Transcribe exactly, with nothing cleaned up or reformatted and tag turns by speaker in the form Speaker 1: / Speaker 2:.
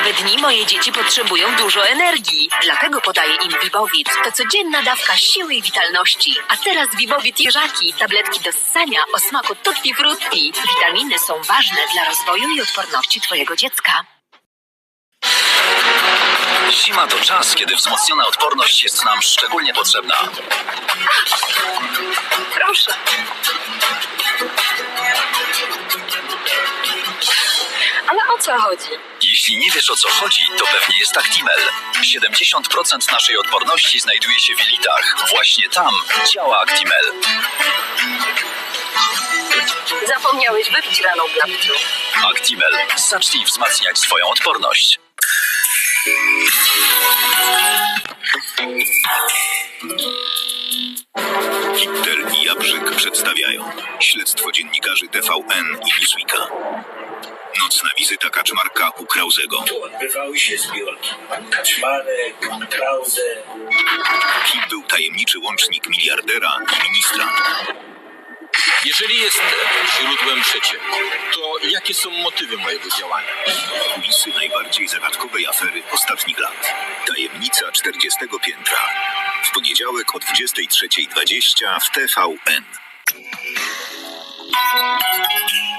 Speaker 1: Zimowe dni moje dzieci potrzebują dużo energii. Dlatego podaję im Vivovit. To codzienna dawka siły i witalności. A teraz Vivovit jeżaki. Tabletki do ssania o smaku tutti frutti. Witaminy są ważne dla rozwoju i odporności twojego dziecka.
Speaker 2: Zima to czas, kiedy wzmocniona odporność jest nam szczególnie potrzebna.
Speaker 1: Proszę. Ale o co chodzi?
Speaker 2: Jeśli nie wiesz, o co chodzi, to pewnie jest Actimel. siedemdziesiąt procent naszej odporności znajduje się w jelitach. Właśnie tam działa Actimel.
Speaker 1: Zapomniałeś wypić rano w napitku.
Speaker 2: Actimel. Zacznij wzmacniać swoją odporność.
Speaker 3: Hitler i Jabrzyk przedstawiają śledztwo dziennikarzy T V N i Newsweeka. Nocna wizyta Kaczmarka u Krauzego.
Speaker 4: Tu odbywały się zbiórki. Pan Kaczmarek, pan Krause.
Speaker 3: Kim był tajemniczy łącznik miliardera i ministra?
Speaker 5: Jeżeli jestem źródłem przecieku, to jakie są motywy mojego działania?
Speaker 3: Kulisy najbardziej zagadkowej afery ostatnich lat. Tajemnica czterdziestego piętra. W poniedziałek o dwudziestej trzeciej dwadzieścia w T V N.